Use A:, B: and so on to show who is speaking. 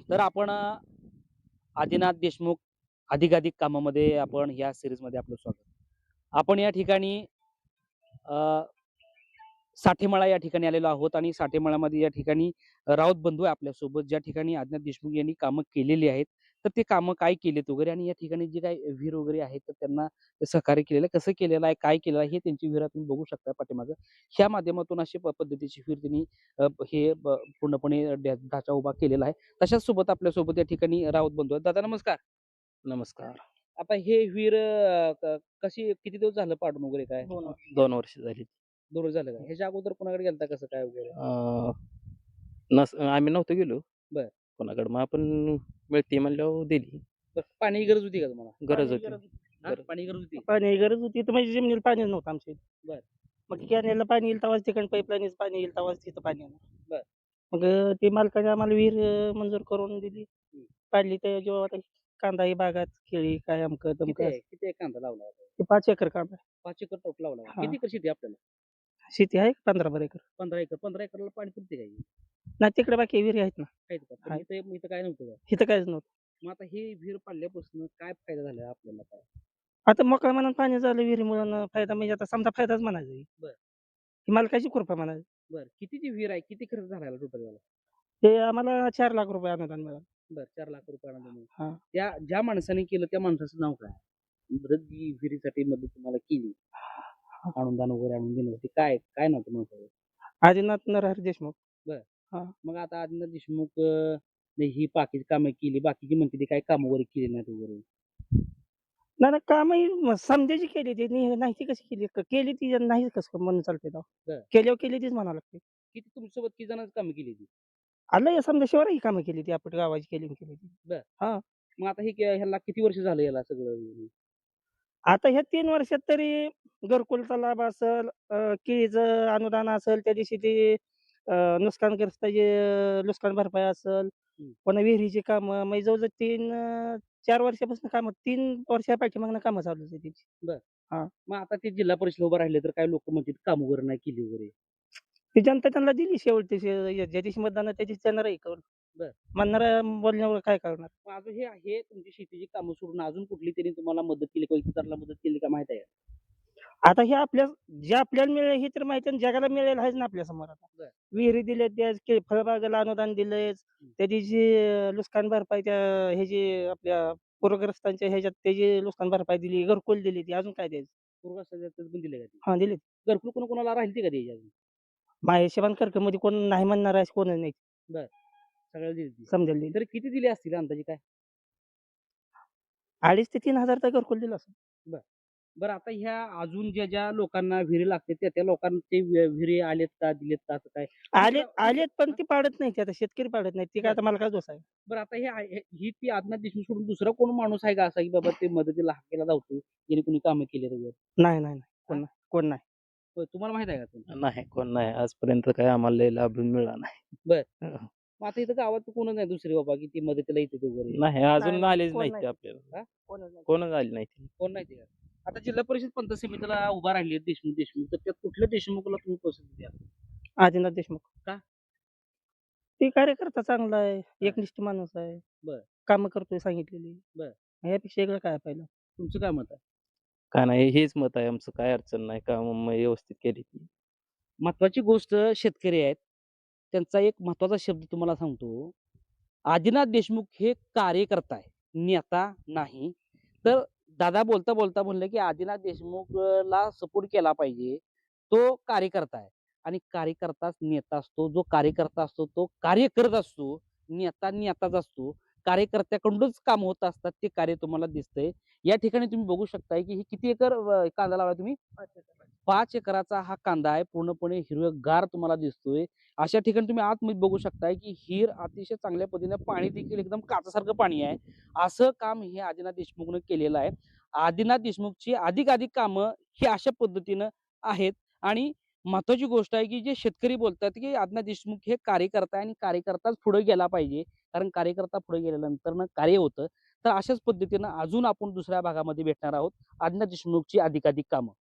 A: तर आपण आदिनाथ देशमुख अधिकाधिक कामामध्ये आपण या सिरीजमध्ये आपलं स्वागत. आपण या ठिकाणी अ, साठेमळा या ठिकाणी आलेलो आहोत आणि साठेमळामध्ये या ठिकाणी राऊत बंधू आहे आपल्यासोबत, ज्या ठिकाणी आदिनाथ देशमुख यांनी कामं केलेली आहेत. तर ते कामं काय केलेत वगैरे आणि या ठिकाणी जे काही विहीर वगैरे आहे, तर त्यांना ते सहकार्य केलेलं आहे, कसं केलेलं आहे, काय केलेलं आहे, हे त्यांची विहीर तुम्ही बघू शकता पाठीमागं. ह्या माध्यमातून अशी पद्धतीची विहीर त्यांनी पूर्णपणे ढाचा उभा केलेला आहे. तशाच सोबत आपल्यासोबत या ठिकाणी राऊत बंधू आहेत. दादा नमस्कार.
B: नमस्कार.
A: आता हे विहीर कशी किती दिवस झालं पाडून वगैरे काय?
B: 2 वर्ष झाली.
A: दररोज झालं का? ह्याच्या अगोदर कोणाकडे गेलता कसं काय वगैरे?
B: अ, आम्ही नव्हतो गेलो
A: बरं.
B: कोणाकडे. मग आपण मिळते म्हणल्यावर दिली.
A: बरं पाणी गरज होती का तुम्हाला?
B: गरज होती.
A: हां,
B: गरज.
A: पाणी गरज होती?
C: पाणी गरज होती तर म्हणजे जमिनीला पाणीच नव्हतं आमच्या इथे.
A: बरं.
C: मग कॅनेलला पाणी येईल तेव्हाच तिकडून पाईपलाईनच पाणी येईल तेव्हाच तिथं पाणी येणार.
A: बरं.
C: मग ते मालकाने आम्हाला विहीर मंजूर करून दिली.
A: हं.
C: पाडली तर जेव्हा आता कांदा ही बागात केळी काय अमकं
A: किती
C: तमकं
A: आहे? किती आहे कांदा लावला होता?
C: ते 5 एकर कांदा आहे.
A: 5 एकर टोटल लावला होता.
C: हां.
A: किती एकर शेती आहे आपल्याला?
C: शेती आहे 15 एकर.
A: 15 एकर. 15 एकरला पाणी पुरते का हे?
C: नाही तिकडे बाकी विहिरी आहेत ना.
A: आहेत का? पण
C: आहेत.
A: इथं काय नव्हतं का?
C: इथं काहीच नव्हतं.
A: मग आता ही विहीर पाडल्यापासून काय फायदा झाला आपल्याला काय?
C: आता मोकळ्या मनात पाणी झालं विहिरीमुळं फायदा म्हणजे आता समजा फायदाच म्हणायचा आहे.
A: बरं.
C: ही मालकाची कृपा म्हणायची.
A: बरं. कितीची विहीर आहे? किती खर्च झाला टोटल याला?
C: ते आम्हाला 4 लाख रुपये अनुदान मिळालं.
A: बरं 4 लाख रुपये अनुदान.
C: हां.
A: त्या ज्या माणसाने केलं त्या माणसाचं नाव काय? बरं जी विहिरीसाठी मदत तुम्हाला केली, अनुदान वगैरे आणून देण्यासाठी काय काय नाव त्या माणसाचं?
C: आदिनाथ नरहरी देशमुख.
A: बरं.
C: हां.
A: मग आता आदिनाथ देशमुख ने ही बाकीची कामं केली, बाकीची म्हणते ती काही कामं वगैरे केली नाहीत वगैरे.
C: नाही, नाही कामही समजायची केली ती नाही ती कशी केली? केली ती नाही कसं म्हणून चालते तेव्हा.
A: बरं.
C: केल्यावर केली तीच म्हणावं लागते.
A: किती तुमच्यासोबत किती जणांची कामं केली ती?
C: आलं समजा शिवाय ही कामं केली ती आपण गावाची केली आणि केली ती.
A: बरं.
C: हां.
A: मग आता हे ह्याला किती वर्ष झालं याला सगळं?
C: आता ह्या 3 वर्षात तरी घरकुलचा लाभ असेल, केळीचं अनुदान असेल, त्या दिवशी ते नुकसानग्रस्ताची नुकसान भरपाई असेल,
A: हं.
C: पुन्हा विहिरीची कामं म्हणजे जवळ-जवळ 4 वर्षापासून कामं 3 वर्षापाठीमागनं कामं चालू आहे त्याची.
A: बरं.
C: हां.
A: मग आता ते जिल्हा परिषद उभं राहिले तर काही लोकं म्हणतात काम वगैरे नाही केली वगैरे.
C: ती जनता त्यांना दिली शेवटी ज्या दिवशी मतदान आहे त्या दिवशी त्यांना राही करून.
A: बरं.
C: म्हणणाऱ्या बोलण्यावर काय करणार?
A: मग अजून हे तुमची शेतीची कामं सोडून अजून कुठली तरी तुम्हाला मदत केली किंवा इतरांना मदत केली का माहिती आहे का?
C: आता हे जे आपल्याला मिळेल हे तर माहिती आहे आणि जगाला मिळेल आहेच ना आपल्या समोर आता.
A: बरं.
C: विहिरी दिल्यात त्या फळबागाला अनुदान दिलंयच. त्या दिवशी नुकसान भरपाई त्या ह्याची आपल्या पूरग्रस्तांच्या ह्याच्यात त्याची नुकसान भरपाई दिली, घरकुल दिली ती अजून काय द्यायचं?
A: पूर्वजांचं पण दिले का ते?
C: हां, दिली.
A: घरकुल कोणाला राहिली का द्यायची अजून?
C: माझ्या हिशोबाने कर्कमध्ये कोण नाही म्हणणार आहे कोणच नाही.
A: बरं. सगळ्याला दिली ती.
C: समजायला दिली.
A: तरी किती दिले असतील अंदाजे काय?
C: 2,500 ते 3,000 तर घरकुल दिलं असेल.
A: बरं. बरं आता ह्या अजून ज्या लोकांना विहिरी लागते त्या लोकांना ते विहिरी आलेत का, दिलेत का असं काय?
C: आलेत पण ती पाडत नाहीत आता शेतकरी पाडत नाहीत. ती काय आता मला काय दोष आहे?
A: बरं आता ही ती आदिनाथ देशमुख सोडून दुसरा कोण माणूस आहे का असा की बाबा ते मदतीला हाकेला धावतो, ज्याने कुणी कामं केली वगैरे?
C: नाही, नाही, नाही. कोण नाही. कोण नाही.
A: होय, तुम्हाला माहित आहे का कोण?
B: नाही, कोण नाही. आजपर्यंत काही आम्हाला लय लाभ मिळाला नाही.
A: बरं.
B: हं.
A: मग आता इथं गावात कोणच नाही दुसरे बाबा की ती मदतीला येते वगैरे?
B: नाही, अजून
C: नाही,
B: आलेच
C: कोण
B: नाहीत
C: नाही.
B: ते आपल्याला.
A: हां?
C: कोणच नाही.
B: कोणच आले नाहीत.
A: कोण नाही ते का? आता जिल्हा परिषद पंचायत समितीला उभा राहिली देशमुख तर त्यात कुठल्या देशमुखला तुम्ही पसंती द्याल?
C: आदिनाथ देशमुख.
A: का?
C: ते कार्यकर्ता चांगला आहे, एकनिष्ठ माणूस आहे.
A: बरं.
C: कामं करतोय सांगितलेली.
A: बरं.
C: यापेक्षा वेगळं काय पाहिलं?
A: तुमचं काय मत आहे?
B: काय नाही, हेच मत आहे आमचं. काही अडचण नाही. कामं व्यवस्थित केली ती.
A: महत्वाची गोष्ट शेतकरी आहेत. त्यांचा एक महत्वाचा शब्द तुम्हाला सांगतो. आदिनाथ देशमुख हे कार्यकर्ता आहे, नेता नाही. तर दादा बोलता म्हणले, की आदिनाथ देशमुखला सपोर्ट केला पाहिजे. तो कार्यकर्ता आहे आणि कार्यकर्ताच नेता असतो. जो कार्यकर्ता असतो तो कार्य करत असतो. नेता नेताच असतो. कार्यकर्त्याकडूनच काम होत असतात. ते कार्य तुम्हाला दिसतंय. या ठिकाणी तुम्ही बघू शकताय, की हे किती एकर कांदा लावलाय तुम्ही? 5 एकराचा हा कांदा आहे. पूर्णपणे हिरवेगार तुम्हाला दिसतोय. अशा ठिकाणी तुम्ही आतमध्ये बघू शकताय, की हिर अतिशय चांगल्या पद्धतीने पाणी देखील एकदम काचेसारखं पाणी आहे. असं काम हे आदिनाथ देशमुखनं केलेलं आहे. आदिनाथ देशमुखची अधिकाधिक कामं ही अशा पद्धतीनं आहेत आणि महत्त्वाची गोष्ट आहे, की जे शेतकरी बोलतात, की आदिनाथ देशमुख हे कार्यकर्ता आहे आणि कार्यकर्ताच पुढे गेला पाहिजे. कारण कार्यकर्ता पुढे गेल्यानंतर कार्य होतं. तर अशाच पद्धतीनं अजून आपण दुसऱ्या भागामध्ये भेटणार आहोत. आदिनाथ देशमुखची अधिकाधिक कामं.